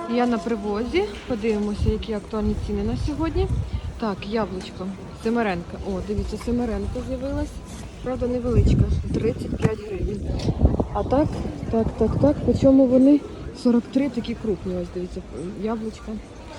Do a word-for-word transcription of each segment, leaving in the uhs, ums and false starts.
Я на привозі. Подивимося, які актуальні ціни на сьогодні. Так, яблучко. Семеренка. О, дивіться, семеренка з'явилась. Правда, невеличка. тридцять п'ять гривень. А так, так, так, так. По чому вони? сорок три такі крупні. Ось, дивіться, яблучка.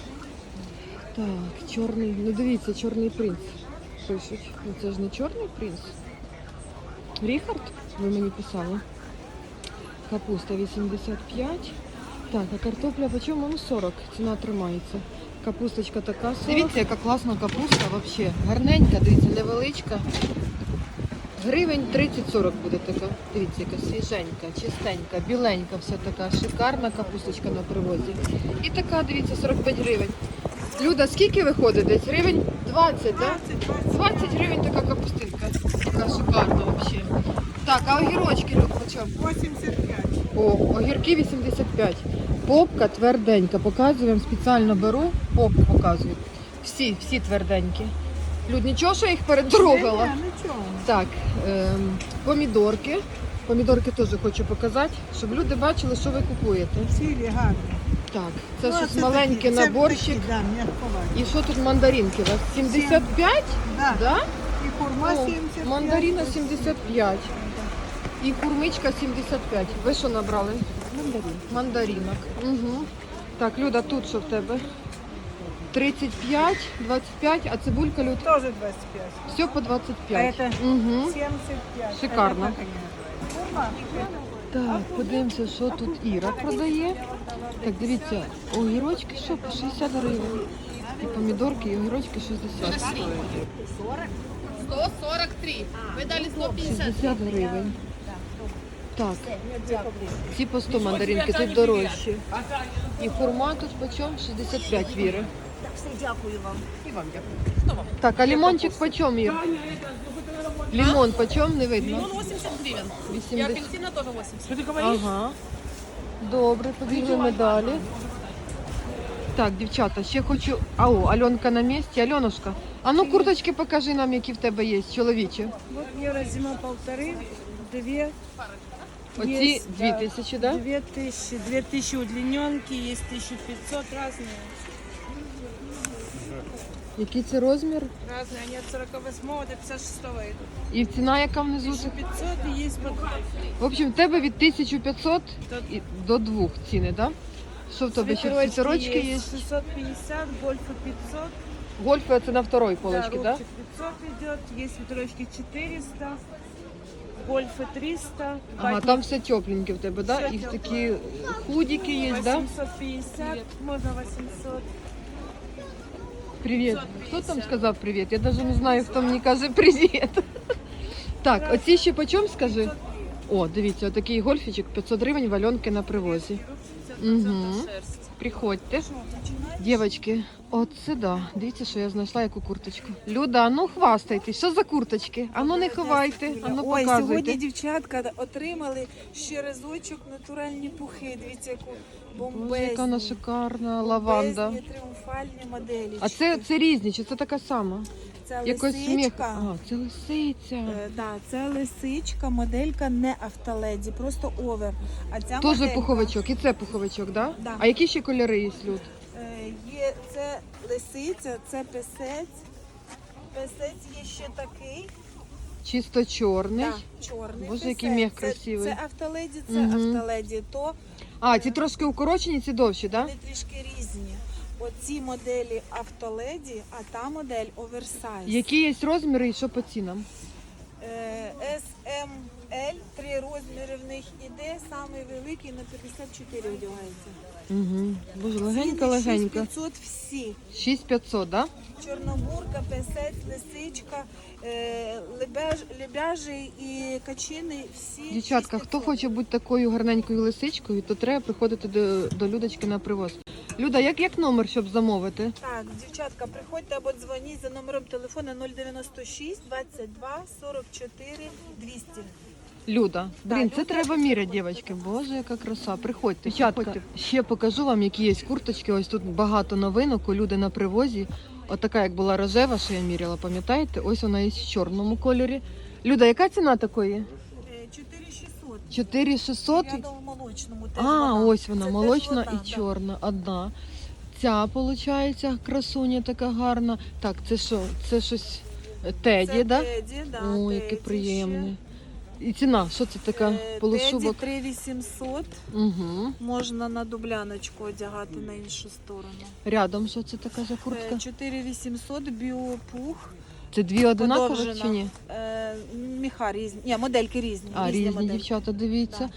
Так, чорний. Ну, дивіться, чорний принц. Пишуть. Ну, це ж не чорний принц. Ріхард, ви мені писали. Капуста вісімдесят п'ять. Так, а картопля по чому? Ну, сорок. Ціна тримається. Капусточка така сорок. Дивіться, яка класна капуста взагалі. Гарненька, дивіться, невеличка. Гривень тридцять-сорок буде така. Дивіться, яка свіженька, чистенька, біленька, вся така шикарна капусточка на привозі. І така, дивіться, сорок п'ять гривень. Люда, скільки виходить десь? Гривень двадцять, так? Да? двадцять гривень така капустинка. Така шикарна взагалі. Так, а огірочки, Люд, по чому? вісімдесят п'ять. О, огірки вісімдесят п'ять. Попка тверденька. Показую вам, спеціально беру, попку показую. Всі, всі тверденькі. Люд, нічого, що я їх перетрогала? Ні, нічого. Так, ем, помідорки. Помідорки теж хочу показати, щоб люди бачили, що ви купуєте. Цілі гарні. Так, це Ну, щось це маленький такі, це наборчик. такі, да, м'якуваті. І що тут мандаринки у вас? сімдесят п'ять? Да. Да? І хурма О, сімдесят п'ять. мандарина сімдесят п'ять. І хурмичка сімдесят п'ять. Ви що набрали? Мандарин. Мандаринок. Угу. Так, Люда, тут що в тебе? тридцять п'ять, двадцять п'ять, а цибулька, Люд? Тоже двадцять п'ять. Все по двадцять А п'ять. это Угу. сімдесят п'ять. Шикарно. Это как они? Хурма. Так, подивимося, що тут Іра продає. Так, дивіться, огірочки що, по шістдесят гривень. І помідорки, і огірочки шістдесят. сто сорок три. Вы дали сто пятьдесят. шістдесят гривень. Так, ці по сто мандаринки, тут дорожчі. І хурма тут почем? шістдесят п'ять, Віри. Дякую вам. І вам дякую. Так, а лимончик почем, Ір? Лимон почем, не видно? Лимон восемьдесят гривен. И вісімдесят. апельсина тоже восемьдесят. Ага. Добре, побігли ми далі. Так, дівчата, ще хочу... А, о, Альонка на місці. Альонушка, а ну курточки покажи нам, які в тебе є, чоловічі. Вот евро зима полторы, две. Оці Есть, дві да. тисячі, да? Две тысячи, две тысячи удлиненки, есть тысяча пятьсот, разные. Який це розмір? Разные, они от сорок восьмого до пятьдесят шестого идут. І ціна, яка внизу? тысяча пятьсот и есть под... В общем, в тебе від тисяча п'ятсот і до двох ціни, да? Що в тебе ще? Світерочки є? шестьсот пятьдесят, гольфы пятьсот. Гольфи це на второй полочці, да? Рубчик пятьсот идет, есть свитерочки четыреста, гольфы триста. Ага, ватник там все тепленьке в тебе, да? Все І тепленьке. такі худики є, да? восемьсот пятьдесят, можно восемьсот. Привіт. Хто там сказав привіт? Я навіть не знаю, хто мені каже привіт. Так, оці ще по чому, скажи? О, дивіться, отакий гольфічок, п'ятсот гривень, вальонки на привозі. Угу. Приходьте. Дівчатки, оце да. Дивіться, що я знайшла яку курточку. Люда, а ну хвастайтесь, що за курточки? А ну не ховайте, а ну Ой, показуйте. сьогодні дівчатка отримали ще разочок натуральні пухи. Дивіться, яку Боже, яка вона бомбезні, шикарна лаванда. бомбезні тріумфальні моделі. А це, це різні, чи це така сама? це Якось сміх. лисичка. А, це лисиця. Е, да, це лисичка, моделька не автоледі, просто овер. А ця Тоже моделька, пуховичок, і це пуховичок, да? Да. А які ще кольори є, Люд? е, є це лисиця, це песець. Песець є ще такий. Чисто чорний. Да, чорний. Боже, який песець. мех Це- красивий. Це автоледі, це Мгм. автоледі. То А, ці трошки укорочені, ці довші, да? вони трішки різні. Оці моделі автоледі, а та модель оверсайз. Які є розміри і що по цінам? С, М, Л, три розміри в них іде, самий великий на п'ятдесят чотири одягається. Угу. Боже, Ціни легенько-легенько. шість п'ятсот всі. шість п'ятсот, да? Чорнобурка, песець, лисичка, е, лебеж, лебяжий і качини всі. Дівчатка, шість хто п'ятсот. хоче бути такою гарненькою лисичкою, то треба приходити до, до Людочки на привоз. Люда, як, як номер, щоб замовити? Так, дівчатка, приходьте або дзвоніть за номером телефону нуль дев'яносто шість двадцять два сорок чотири двісті. Люда, блін, Так, це Люда, треба міряти, дівчатки. Боже, яка краса. Приходьте. Дівчатка, ще покажу вам, які є курточки. Ось тут багато новинок у Люди на привозі. Отака, як була рожева, що я міряла, пам'ятаєте? Ось вона є в чорному кольорі. Люда, яка ціна такої? чотири шістсот. чотири шістсот. Рядом в молочному теж А, вона. ось вона, Це теж молочна одна, і да. чорна. Одна. Ця, виходить, красуня така гарна. Так, це що? Це щось Теді, Це да? Теді, да, О, Теді який приємний. ще. І ціна, що це така Е, полушубок? Теді три вісімсот. Угу. Можна на дубляночку одягати на іншу сторону. Рядом, що це така за куртка? Е, чотири вісімсот, біопух. Це дві одинакові подовжена. чи ні? Е, Міха різні. Ні, модельки різні. А, різні модельки. дівчата, дивіться.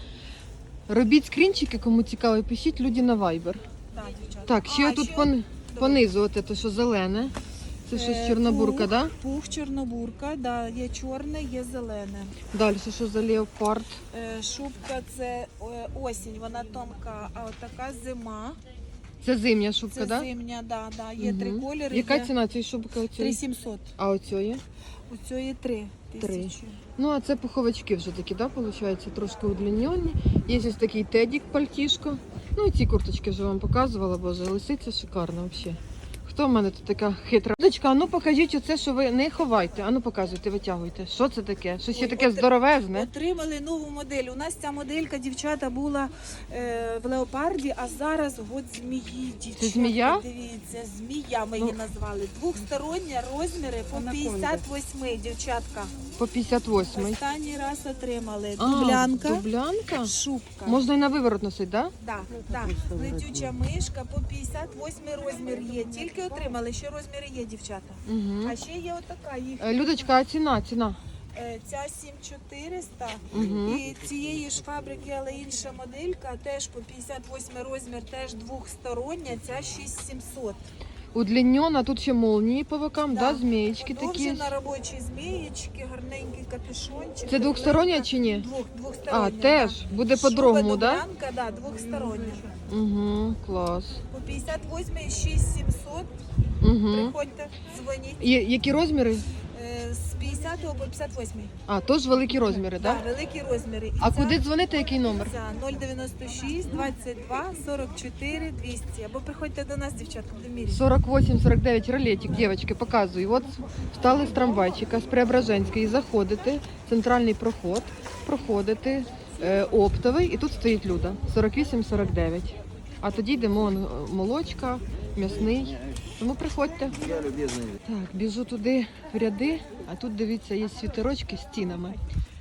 Робіть скрінчики, кому цікаво, пишіть люди на Viber. Да, дівчата. Так, ще А, тут ще пон... понизу, от це що зелене. Це щось Е, чорнобурка, пух, да? Пух, чорнобурка, да, є чорне, є зелене. Далі, що за леопард? Е, Шубка це е, осінь, вона тонка, а от така зима. Це зимня шубка, Це да? зимня, да, да. Є Мгм. три кольори. Яка є ціна цієї шубки три оцієї? сімсот. А оцієї? У цієї три Три. тисячі. Ну, а це пуховички вже такі, да, виходить, трошки удлінені. Є ось такий тедік, пальтішко. Ну і ці курточки вже вам показувала, боже, лисиця шикарна взагалі. Хто в мене тут така хитра? Дочка, а ну покажіть оце, що ви не ховайте. А ну показуйте, витягуйте. Що це таке? Щось ще Ой, таке от- здоровезне. Отримали нову модель. У нас ця моделька, дівчата, була е, в леопарді, а зараз год змії. Дівчата, змія? Дивіться, змія ми Ну. її назвали. Двохсторонні розміри по п'ятдесят вісім, дівчатка. По п'ятдесят восьмий. Останній раз отримали. А, Дублянка, Дублянка? шубка. Можна і на виворот носити, так? Да, да. Летюча мишка по п'ятдесят восьмий розмір є. Тільки отримали, ще розміри є, дівчата. Да? Угу. А ще є отака їх. Людочка, а ціна, ціна? Е, Ця сім чотириста. Угу. І цієї ж фабрики, але інша моделька, теж по п'ятдесят восьмий розмір, теж двохстороння, ця шість сімсот. Удлінена, тут ще молнії по бокам, да, Да. змієчки такі. Подовжена робочі змієчки, гарненький капюшончик. Це двохстороння чи ні? Двох, двохстороння. А, теж? да. Буде Шуба по-другому, да? дублянка, да, двохстороння. Угу, клас. По п'ятдесят восьмий шість сімсот. Угу. Приходьте, дзвоніть. Є, які розміри? Е, З п'ятдесятого по п'ятдесят восьмий. А, теж великі розміри, Да, так? Да? великі розміри. І А ця- куди дзвонити, який номер? Це нуль дев'яносто шість двадцять два сорок чотири двісті. Або приходьте до нас, дівчатка, в мірі. сорок вісім сорок дев'ять ролетик, дівчатки, показую. От встали з трамвайчика з Преображенської, заходите, центральний проход, проходите, е, оптовий, і тут стоїть Люда, сорок вісім сорок дев'ять. А тоді йдемо он, молочка, м'ясний. Тому приходьте. Так, біжу туди в ряди, а тут, дивіться, є світерочки з стінами.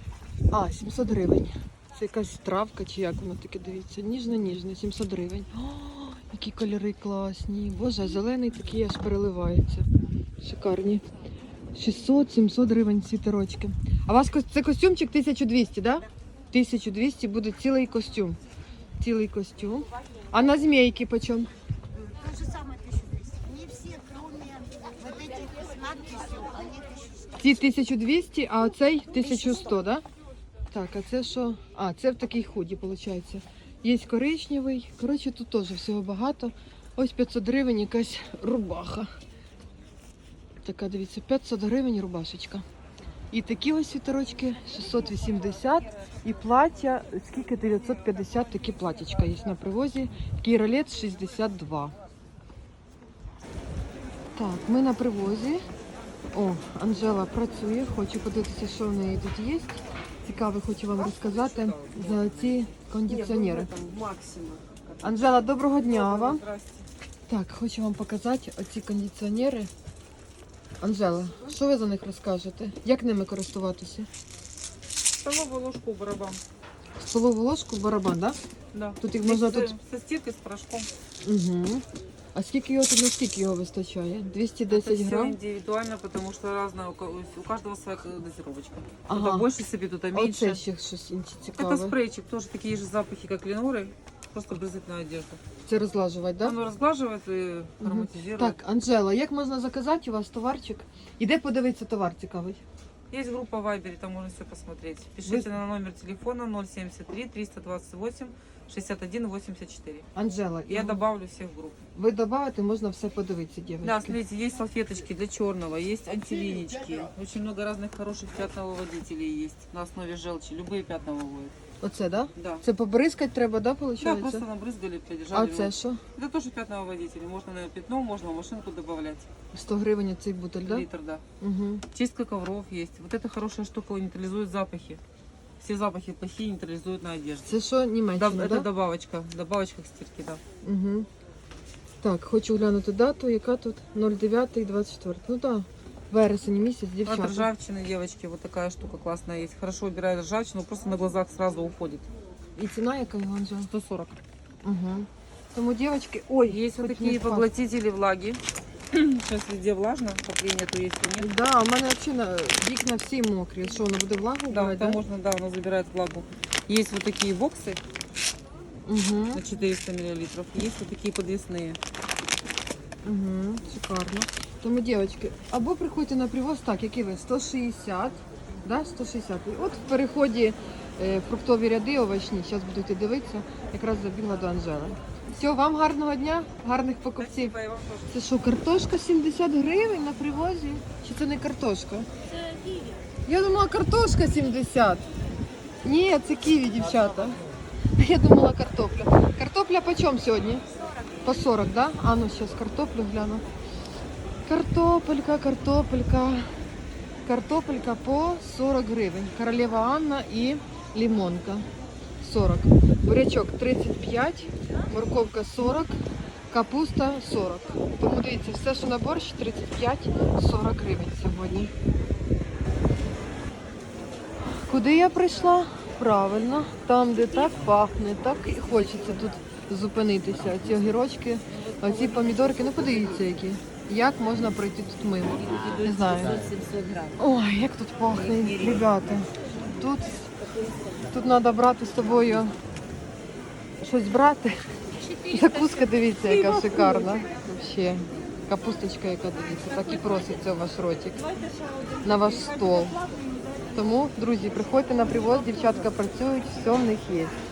А, сімсот гривень. Це якась травка чи як воно таке, дивіться. Ніжно-ніжно, сімсот гривень. О, які кольори класні. Боже, а зелений такий аж переливається. Шикарні. шістсот сімсот гривень світерочки. А у вас кос- це костюмчик тисяча двісті, так? Да? тисяча двісті буде цілий костюм. Цілий костюм. А на змійки почем? То же самое тысяча двести. Не все, кроме вот этих с надписью, они тысяча сто. Ці тисяча двісті, а оцей тисяча сто, да? Так, а це що? А, це в такій худі, виходить. Є коричневий. Коротше, тут теж всього багато. Ось п'ятсот гривень якась рубаха. Така, дивіться, п'ятсот гривень рубашечка. І такі ось світерочки шістсот вісімдесят. І плаття, скільки дев'ятсот п'ятдесят, такі платічка є на привозі. Такий ролет шістдесят два. Так, ми на привозі. О, Анжела працює, хочу подивитися, що в неї тут є. Цікаво, хочу вам розказати за ці кондиціонери. Анжела, доброго дня вам. Так, хочу вам показати оці кондиціонери. Анжела, що ви за них розкажете? Як ними користуватися? Столовую ложку барабан. Столову ложку, барабан, так? Да. Тут їх можна Со- тут. Со стиркой, с порошком. Угу. А скільки його тут, наскільки його вистачає? двісті Это десять все грам? индивидуально, потому что разная, у ко- у каждого своя дозировочка. Ага. Кто-то больше себе, кто-то А меньше. оце ще щось інше Это цікаве. спрейчик, тоже такие же запахи, как леноры, просто брызгать на одежду. Це розлажувати, так? Да? Оно разглаживает и Мгм. ароматизирует. Так, Анжела, як можна заказати у вас товарчик? Іде подивитися товар цікавий. Есть группа в Вайбере, там можно все посмотреть. Пишите на номер телефона ноль семьдесят три триста двадцать восемь шестьдесят один восемьдесят четыре. Анжела, Я і добавлю всех в группу. ви додавите, можна все подивитися, дівчатки. Да, смотрите, есть салфеточки для черного, есть антилинички. Очень много разных хороших пятновыводителей есть на основе желчи. Любые пятна выводят. Оце, да? Да. Це побризкати треба, да, Да, виходить? просто набрызгали, А подержали. це що? Это тоже пятновыводители. Можно на пятно, можно в машинку добавлять. сто гривень цей бутиль, да? Литр, да. Угу. Чистка ковров есть. Вот эта хорошая штука нейтрализует запахи. Все запахи плохие нейтрализуют на одежде. Це що, Да, Німеччина, это да? добавочка, добавочка к стирке, да. Угу. Так, хочу глянути дату, яка тут ноль дев'ять двадцять четыре. Ну так, да. Вересень місяць, От дівчата. ржавчины, девочки, вот такая штука классная есть. Хорошо убирает ржавчину, просто на глазах сразу уходит. І ціна яка, Іванжа? сто сорок. Угу. Тому, дівчатки, ой, Есть вот хоч такие не впасть. поглотители влаги. Сейчас везде влажно, отопление нету, есть и нет. Да, у мене взагалі вікна всі мокрі. Що, воно буде влагу Да, брати, там да? можно, да, оно забирает влагу. Есть вот такие боксы Угу. на четыреста миллилитров, есть вот такие подвесные. Угу, шикарно. Тому, дівчатки, або приходьте на привоз, так, який ви, сто шістдесят, да, сто шістдесят. І от в переході е, фруктові ряди овочні, зараз будете дивитися, якраз забігла до Анжели. Все, вам гарного дня, гарних покупців. Спасибо, и вам тоже. Це що, картошка сімдесят гривень на привозі? Чи це не картошка? Це ківі. Я думала, картошка сімдесят. Ні, це ківі, дівчата. Я думала, картопля. Картопля по чому сьогодні? По сорок, да? А ну, зараз картоплю гляну. Картопелька, картопелька. Картопелька по сорок гривень. Королева Анна і лимонка. сорок. Бурячок тридцять п'ять, морковка сорок, капуста сорок. Тому дивіться, все, що на борщ, тридцять п'ять сорок гривень сьогодні. Куди я прийшла? Правильно, там, де так пахне, так і хочеться тут зупинитися. Ці огірочки, оці помідорки, ну подивіться які. Як можна пройти тут мимо? Не знаю. Ой, як тут пахне, ребята. Тут, тут треба брати з собою щось брати. Закуска, дивіться, яка шикарна. Взагалі. Капусточка, яка дивіться, так і проситься в ваш ротик. На ваш стол. Тому, друзі, приходьте на привоз, дівчатка працюють, все в них є.